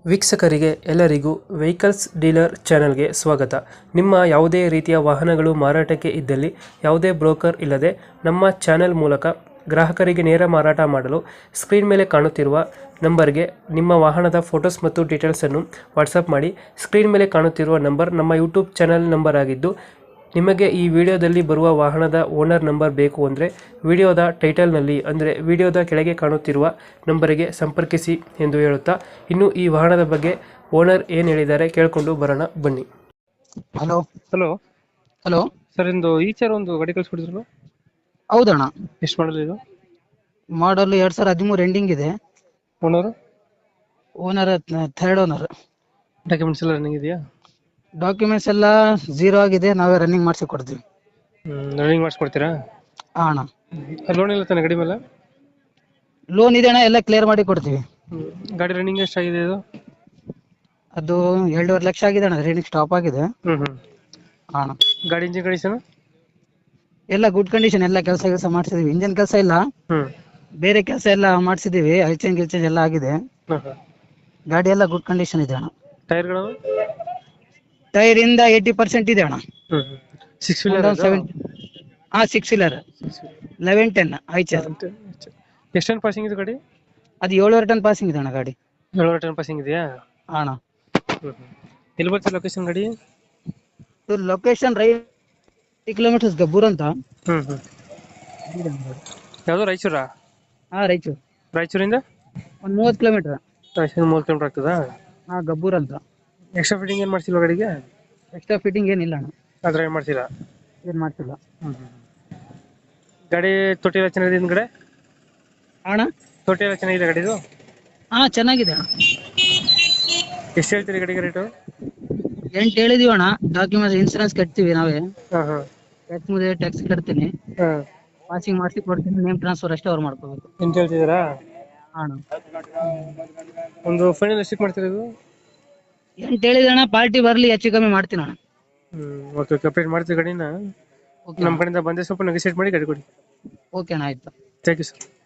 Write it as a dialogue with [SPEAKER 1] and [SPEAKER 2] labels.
[SPEAKER 1] ವೀಕ್ಷಕರಿಗೆ ಎಲ್ಲರಿಗೂ vehicles dealer ಚಾನೆಲ್ಗೆ ಸ್ವಾಗತ. ನಿಮ್ಮ ಯಾವುದೇ ರೀತಿಯ ವಾಹನಗಳು ಮಾರಾಟಕ್ಕೆ ಇದ್ದಲ್ಲಿ ಯಾವುದೇ ಬ್ರೋಕರ್ ಇಲ್ಲದೆ ನಮ್ಮ ಚಾನೆಲ್ ಮೂಲಕ ಗ್ರಾಹಕರಿಗೆ ನೇರ ಮಾರಾಟ ಮಾಡಲು ಸ್ಕ್ರೀನ್ ಮೇಲೆ ಕಾಣುತ್ತಿರುವ ನಂಬರ್ಗೆ ನಿಮ್ಮ ವಾಹನದ ಫೋಟೋಸ್ ಮತ್ತು ಡೀಟೇಲ್ಸನ್ನು ವಾಟ್ಸಪ್ ಮಾಡಿ. ಸ್ಕ್ರೀನ್ ಮೇಲೆ ಕಾಣುತ್ತಿರುವ ನಂಬರ್ ನಮ್ಮ ಯೂಟ್ಯೂಬ್ ಚಾನೆಲ್ ನಂಬರ್ ಆಗಿದ್ದು, ನಿಮಗೆ ಈ ವಿಡಿಯೋದಲ್ಲಿ ಬರುವ ವಾಹನದ ಓನರ್ ನಂಬರ್ ಬೇಕು ಅಂದರೆ ವಿಡಿಯೋದ ಟೈಟಲ್ನಲ್ಲಿ ಅಂದರೆ ವಿಡಿಯೋದ ಕೆಳಗೆ ಕಾಣುತ್ತಿರುವ ನಂಬರಿಗೆ ಸಂಪರ್ಕಿಸಿ ಎಂದು ಹೇಳುತ್ತಾ, ಇನ್ನು ಈ ವಾಹನದ ಬಗ್ಗೆ ಓನರ್ ಏನು ಹೇಳಿದ್ದಾರೆ ಕೇಳಿಕೊಂಡು ಬರೋಣ ಬನ್ನಿ.
[SPEAKER 2] ಹಲೋ
[SPEAKER 1] ಹಲೋ
[SPEAKER 2] ಹಲೋ
[SPEAKER 1] ಸರ್, ಇಂದು ಈಚರ್ ಒಂದು ಗಾಡಿ ಕಳಿಸ್ಕೊಡಿದ್ರು,
[SPEAKER 2] ಹೌದಣ್ಣ.
[SPEAKER 1] ಎಷ್ಟು ಮಾಡಲ್ ಇದು?
[SPEAKER 2] ಮಾಡಲ್ 2013 ಎಂಡಿಂಗ್ ಇದೆ.
[SPEAKER 1] Owner?
[SPEAKER 2] Owner third owner.
[SPEAKER 1] Documents ಎಲ್ಲ ರನ್ನಿಂಗ್ ಇದೆಯಾ?
[SPEAKER 2] ಡಾಕ್ಯುಮೆಂಟ್ಸ್ ಎಲ್ಲ ಝೀರೋ ಆಗಿದೆ, ನಾವೇ ರನ್ನಿಂಗ್ ಮಾಡಿಸಿ ಕೊಡ್ತೀವಿ.
[SPEAKER 1] ರನ್ನಿಂಗ್ ಮಾಡಿಸ್ಕೊಡ್ತೀರಾ?
[SPEAKER 2] ಅಣ್ಣ
[SPEAKER 1] ಲೋನ್ ಇಲ್ಲ ತಾನೆ ಗಾಡಿ ಮೇಲೆ?
[SPEAKER 2] ಲೋನ್ ಇದೆ ಅಣ್ಣ, ಎಲ್ಲ ಕ್ಲಿಯರ್ ಮಾಡಿ ಕೊಡ್ತೀವಿ.
[SPEAKER 1] ಗಾಡಿ ರನ್ನಿಂಗ್ ಎಷ್ಟಾಗಿದೆ ಇದು?
[SPEAKER 2] ಅದು 2.5 ಲಕ್ಷ ಆಗಿದೆ ಅಣ್ಣ, ರನ್ನಿಂಗ್ ಸ್ಟಾಪ್ ಆಗಿದೆ. ಅಣ್ಣ
[SPEAKER 1] ಗಾಡಿ ಇಂಜಿನ್ ಕಂಡೀಷನ್
[SPEAKER 2] ಎಲ್ಲ ಗುಡ್ ಕಂಡೀಷನ್, ಎಲ್ಲ ಕೆಲಸ ಮಾಡಿಸಿದೀವಿ. ಇಂಜನ್ ಕೆಲಸ ಇಲ್ಲ, ಬೇರೆ ಕೆಲಸ ಎಲ್ಲ ಮಾಡಿಸಿದೀವಿ. ಗಿಲ್ಚೇಂಜ್ ಎಲ್ಲ ಆಗಿದೆ. ಗಾಡಿ ಎಲ್ಲ ಗುಡ್ ಕಂಡೀಷನ್ ಇದೆ ಅಣ್ಣ.
[SPEAKER 1] ಟೈರ್ಗಳು?
[SPEAKER 2] ಟೈರ್ ಇಂದ 80% ಇದೆ ಅಣ್ಣ.
[SPEAKER 1] 6 ವೀಲರ್?
[SPEAKER 2] 6 ವೀಲರ್ 1110 ಐಚರ್.
[SPEAKER 1] ಎಷ್ಟು ಟನ್ ಪಾಸಿಂಗ್ ಇದು ಗಾಡಿ?
[SPEAKER 2] ಅದು 7.5 ಟನ್ ಪಾಸಿಂಗ್ ಇದೆ ಅಣ್ಣ ಗಾಡಿ.
[SPEAKER 1] 7 ಟನ್ ಪಾಸಿಂಗ್ ಇದೆಯಾ?
[SPEAKER 2] ಅಣ್ಣ
[SPEAKER 1] ಎಲ್ಲಿ ಬರ್ತದೆ ಲೊಕೇಶನ್ ಗಾಡಿ?
[SPEAKER 2] ಲೊಕೇಶನ್ 5 ಕಿಲೋಮೀಟರ್ಸ್ ಗಬ್ಬೂರ್ ಅಂತ.
[SPEAKER 1] ಯಾವುದು, ರಾಯಚೂರಾ?
[SPEAKER 2] ರಾಯಚೂರು.
[SPEAKER 1] ರಾಯಚೂರಿಂದ
[SPEAKER 2] ಒಂದು 30 ಕಿಲೋಮೀಟರ್.
[SPEAKER 1] ರಾಯಚೂರು 30 ಕಿಲೋಮೀಟರ್ ಆಗ್ತದಾ?
[SPEAKER 2] ಗಬ್ಬೂರ್ ಅಂತ.
[SPEAKER 1] ಎಕ್ಸ್ಟ್ರಾ ಫಿಟ್ಟಿಂಗ್ ಏನು ಮಾಡ್ಸಿಲ್ವ ಗಾಡಿಗೆ?
[SPEAKER 2] ಎಕ್ಸ್ಟ್ರಾ ಫಿಟ್ಟಿಂಗ್ ಏನಿಲ್ಲ ಅಣ್ಣ,
[SPEAKER 1] ಅದ್ರ ಏನು ಮಾಡ್ಸಿಲ್ಲ?
[SPEAKER 2] ಏನ್ ಮಾಡ್ತಿಲ್ಲ.
[SPEAKER 1] ಗಾಡಿ ತೊಟ್ಟಿ ಎಲ್ಲ ಚೆನ್ನಾಗಿದೆ ಹಿಂದ್ಗಡೆ?
[SPEAKER 2] ಅಣ್ಣ
[SPEAKER 1] ತೊಟ್ಟಿ ಎಲ್ಲ ಚೆನ್ನಾಗಿದೆ ಗಾಡಿದು?
[SPEAKER 2] ಚೆನ್ನಾಗಿದೆ ಅಣ್ಣ.
[SPEAKER 1] ಎಷ್ಟು ಹೇಳ್ತೀರಿ ಗಾಡಿಗೆ ರೇಟು?
[SPEAKER 2] 8 ಹೇಳಿದೀವಿ ಅಣ್ಣ. ಡಾಕ್ಯುಮೆಂಟ್ಸ್ ಇನ್ಸೂರೆನ್ಸ್ ಕಟ್ತೀವಿ ನಾವೇ.
[SPEAKER 1] ಹಾಂ
[SPEAKER 2] ಟ್ಯಾಕ್ಸ್ ಕಟ್ತೀನಿ.
[SPEAKER 1] ಹಾಂ
[SPEAKER 2] ಪಾಸಿಂಗ್ ಮಾಡಿಸಿ ಕೊಡ್ತೀನಿ. ನೇಮ್ ಟ್ರಾನ್ಸ್ಫರ್ ಅಷ್ಟೇ ಅವ್ರು ಮಾಡ್ಕೋಬೇಕು.
[SPEAKER 1] ಎಂತ ಹೇಳ್ತಿದ್ದೀರಾ?
[SPEAKER 2] ಅಣ್ಣ
[SPEAKER 1] ಒಂದು ಫೈನಲ್ ಎಷ್ಟಕ್ಕೆ ಮಾಡ್ತೀರಾ ಇದು?
[SPEAKER 2] 8 ಹೇಳಿದೆ ಅಣ್ಣ, ಪಾರ್ಟಿ ಬರ್ಲಿ, ಹೆಚ್ಚು ಕಮ್ಮಿ ಮಾಡ್ತೀನಿ ಅಣ್ಣ.
[SPEAKER 1] ಓಕೆ, ಕಂಪ್ಲೀಟ್ ಮಾಡ್ತೀವಿ ಗಾಡಿನ. ನಮ್ಮ ಕಡೆಯಿಂದ ಬಂದರೆ ಸ್ವಲ್ಪ ನೆಗೋಸಿಯೇಟ್ ಮಾಡಿ ಗಾಡಿ ಕೊಡಿ.
[SPEAKER 2] ಓಕೆ ಅಣ್ಣ, ಆಯ್ತು.
[SPEAKER 1] Thank you sir.